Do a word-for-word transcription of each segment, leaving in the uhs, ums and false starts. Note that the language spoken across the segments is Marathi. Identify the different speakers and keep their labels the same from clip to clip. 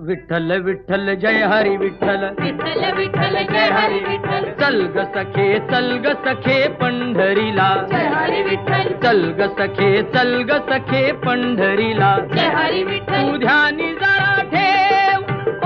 Speaker 1: विठ्ठल विठ्ठल जय हरी विठ्ठल,
Speaker 2: विठ्ठल विठ्ठल जय हरी विठ्ठल,
Speaker 1: चल ग सखे चल ग सखे पंढरीला,
Speaker 2: जय हरी विठ्ठल,
Speaker 1: चल ग सखे चल ग सखे पंढरीला,
Speaker 2: जय हरी विठ्ठल,
Speaker 1: तू ध्यानी जरा ठेव,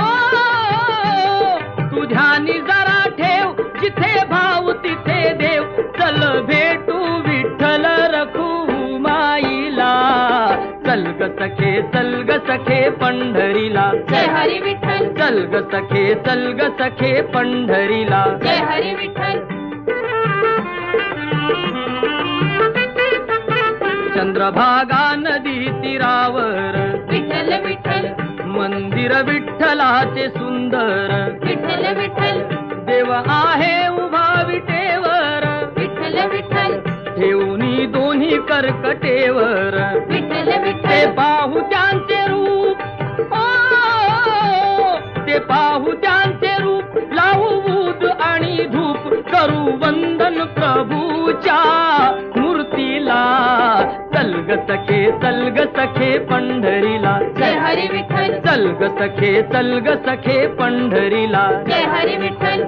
Speaker 1: ओ तू ध्यानी जरा ठेव, जिथे भाव तिथे देव, चल भेटू विठ्ठल रखुमाईला, चल ग सखे चल ग सखे पंढरीला,
Speaker 2: जय हरी विठ्ठल,
Speaker 1: चल ग सखे चल ग सखे पंढरीला,
Speaker 2: जय हरी विठ्ठल,
Speaker 1: चंद्रभागा नदी तीरावर,
Speaker 2: विठ्ठल विठ्ठल,
Speaker 1: मंदिर विठ्ठलाचे सुंदर,
Speaker 2: विठ्ठल विठ्ठल,
Speaker 1: देव आहे उभा विटेवर,
Speaker 2: विठ्ठल विठ्ठल,
Speaker 1: ठेवणी दोन्ही कर्कटेवर,
Speaker 2: विठ्ठल
Speaker 1: ते
Speaker 2: विठ्ठल,
Speaker 1: पाहू त्यांचे रूप, ओ ते पाहू त्यांचे रूप, लावू बूद आणि धूप, करू वंदन प्रभूच्या मूर्तीला, चल ग सखे चल ग सखे पंढरीला,
Speaker 2: जय हरी विठ्ठल,
Speaker 1: चल ग सखे चल ग सखे पंढरीला,
Speaker 2: जय हरी विठ्ठल,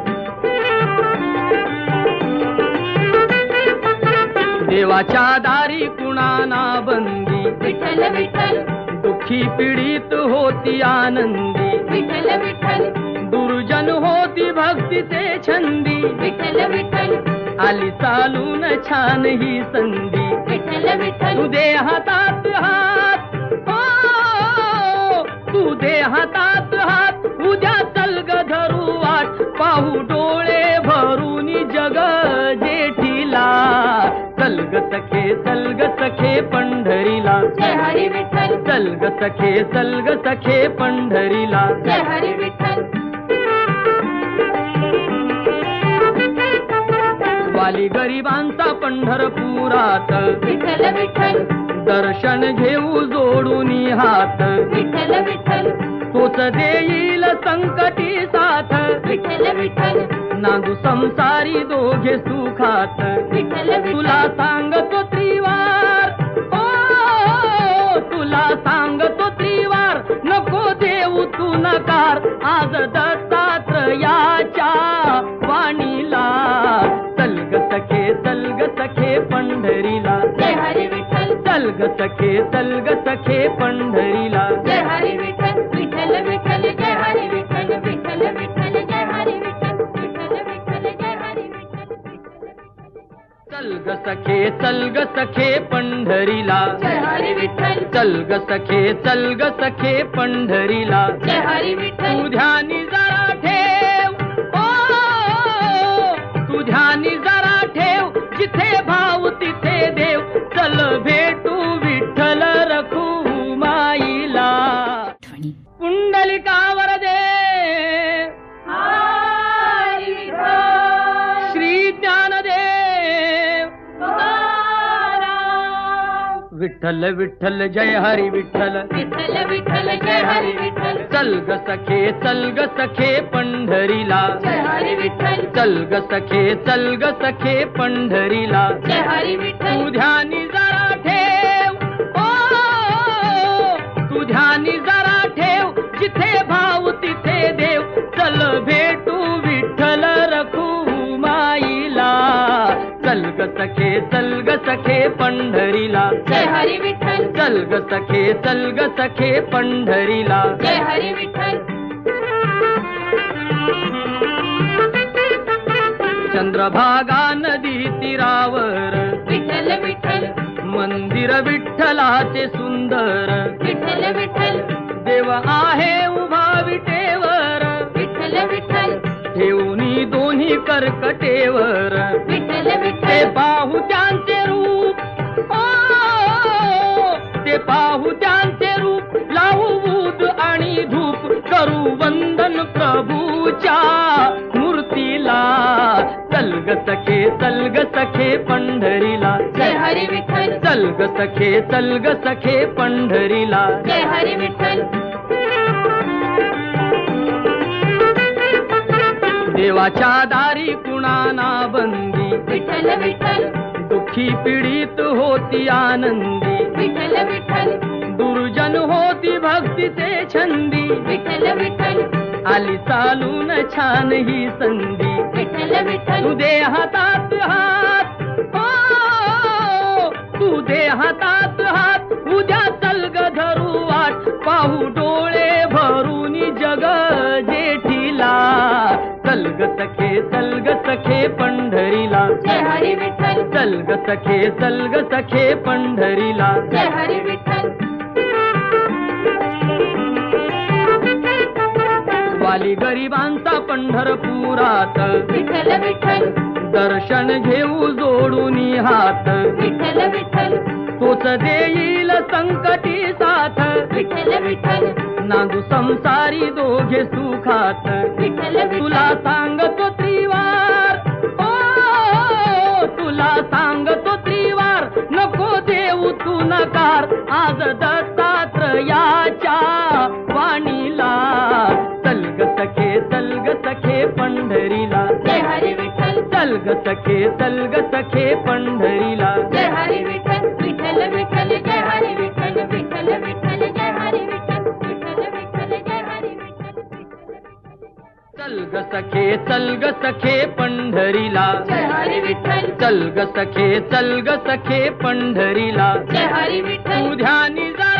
Speaker 1: देवाच्या दारी कुणाना बंदी,
Speaker 2: विठ्ठल विठ्ठल,
Speaker 1: दुःखी पीडित होती आनंदी,
Speaker 2: विठ्ठल विठ्ठल,
Speaker 1: दुर्जन होती भक्तीचे छंदी,
Speaker 2: विठ्ठल विठ्ठल,
Speaker 1: आली चालून छान ही संधी,
Speaker 2: विठ्ठल विठ्ठल,
Speaker 1: तू दे हातात हात, ओ तू दे हातात हात, उद्या चल ग धरू वाट, पाहू डोळे भरून जग जेठीला, चल ग सखे चल ग सखे पंढरीला,
Speaker 2: जय हरी विठ्ठल,
Speaker 1: चल ग सखे चल ग सखे पंढरीला,
Speaker 2: जय हरी विठ्ठल,
Speaker 1: वाली गरिबांचा पंढरपुरात,
Speaker 2: विठ्ठल विठ्ठल,
Speaker 1: दर्शन घेऊ जोडून हात,
Speaker 2: विठ्ठल विठ्ठल,
Speaker 1: तोच देईल संकटी साथ,
Speaker 2: विठ्ठल विठ्ठल,
Speaker 1: नांदू संसारी दोघे सुखात,
Speaker 2: विठ्ठल
Speaker 1: तुला
Speaker 2: विठ्ठल,
Speaker 1: सांगतो त्रिवार, ओ तुला सांगतो त्रिवार, नको देऊ तू नकार, आज दत्तात्रयाच्या वाणीला, चल ग सखे चल ग सखे पंढरीला,
Speaker 2: जय हरी विठ्ठल,
Speaker 1: चल ग सखे चल ग सखे पंढरीला,
Speaker 2: जय हरी विठ्ठल, विठ्ठल विठ्ठल, जय हरी विठ्ठल, विठ्ठल विठ्ठल, जय हरी विठ्ठल, विठ्ठल विठ्ठल, जय हरी विठ्ठल,
Speaker 1: चल ग सखे चल ग सखे पंढरीला,
Speaker 2: जय हरी विठ्ठल,
Speaker 1: चल ग सखे चल ग सखे पंढरीला,
Speaker 2: जय हरी विठ्ठल,
Speaker 1: तू ध्यानी जरा ठेव, ओ तू ध्यानी जरा ठेव, जिथे भाव तिथे देव, चल भेटू विठ्ठल रखुमाईला, पुंडलिकावर दे
Speaker 2: हरी विठ्ठल,
Speaker 1: श्री ज्ञानदेव,
Speaker 2: तुकाराम,
Speaker 1: विठ्ठल विठ्ठल जय हरी विठ्ठल,
Speaker 2: विठ्ठल विठ्ठल, जय हरी विठ्ठल,
Speaker 1: चल ग सखे चल ग सखे पंढरीला,
Speaker 2: जय हरी विठ्ठल,
Speaker 1: चल ग सखे चल ग सखे पंढरीला,
Speaker 2: जय हरी विठ्ठल,
Speaker 1: तू ध्यानी जरा ठेव, ओ तू ध्यानी जरा ठेव, जिथे भाव तिथे देव, चल भेटू विठ्ठल रखुमाईला, चल ग सखे चल ग सखे पंढरीला,
Speaker 2: जय हरी विठ्ठल,
Speaker 1: चल ग सखे चल ग सखे पंढरीला,
Speaker 2: जय हरी विठ्ठल,
Speaker 1: चंद्रभागा नदी तीरावर,
Speaker 2: विठ्ठल विठ्ठल,
Speaker 1: मंदिर विठ्ठलाचे सुंदर,
Speaker 2: विठ्ठल विठ्ठल,
Speaker 1: देव आहे उभा विटेवर,
Speaker 2: विठ्ठल विठ्ठल,
Speaker 1: ठेवणी दोन्ही कर्कटेवर,
Speaker 2: विठ्ठल
Speaker 1: ते
Speaker 2: विठ्ठल,
Speaker 1: पाहू त्यांचे रूप, ओ ते पाहू त्यांचे रूप, लावू बूद आणि धूप, करू वंदन प्रभूच्या मूर्तीला, चल ग सखे चल ग सखे पंढरीला,
Speaker 2: जय हरी विठ्ठल,
Speaker 1: चल ग सखे चल ग सखे पंढरीला,
Speaker 2: जय हरी विठ्ठल,
Speaker 1: देवाच्या दारी कुणाना बंदी,
Speaker 2: विठ्ठल विठ्ठल,
Speaker 1: दुःखी पीडित होती आनंदी,
Speaker 2: विठ्ठल विठ्ठल,
Speaker 1: दुर्जन होती भक्तीचे छंदी
Speaker 2: विठ्ठल विठ्ठल
Speaker 1: आली चालून छान ही संधी
Speaker 2: विठ्ठल विठ्ठल
Speaker 1: तू दे हातात हात हो, तू दे हातात हात उद्या चल ग धरू वाट पाहू डोळे भरून जग जेठीला चल ग सखे चल ग सखे पंढरीला
Speaker 2: जय हरी विठ्ठल
Speaker 1: चल ग सखे चल ग सखे पंढरीला
Speaker 2: जय हरी विठ्ठल
Speaker 1: वाली गरिबांचा पंढरपुरात
Speaker 2: विठ्ठल विठ्ठल
Speaker 1: दर्शन घेऊ जोडून हात
Speaker 2: विठ्ठल विठ्ठल
Speaker 1: तोच देईल संकटी साथ
Speaker 2: विठ्ठल विठ्ठल
Speaker 1: नांदू संसारी दोघे सुखात
Speaker 2: विठ्ठल
Speaker 1: तुला सांगतो त्रिवार ओ तुला सांगतो त्रिवार नको देऊ तू नकार आज दत्तात्रयाच्या वाणीला चल ग सखे चल ग सखे पंढरीला
Speaker 2: जय हरी विठ्ठल
Speaker 1: चल ग सखे चल ग सखे पंढरीला
Speaker 2: जय हरी विठ्ठल विठ्ठल विठ्ठल जय हरी विठ्ठल विठ्ठल विठ्ठल जय हरी विठ्ठल विठ्ठल विठ्ठल जय हरी विठ्ठल
Speaker 1: चल ग सखे चल ग सखे पंढरीला
Speaker 2: जय हरी विठ्ठल
Speaker 1: चल ग सखे चल ग सखे पंढरीला
Speaker 2: जय हरी विठ्ठल
Speaker 1: तू ध्यानी जा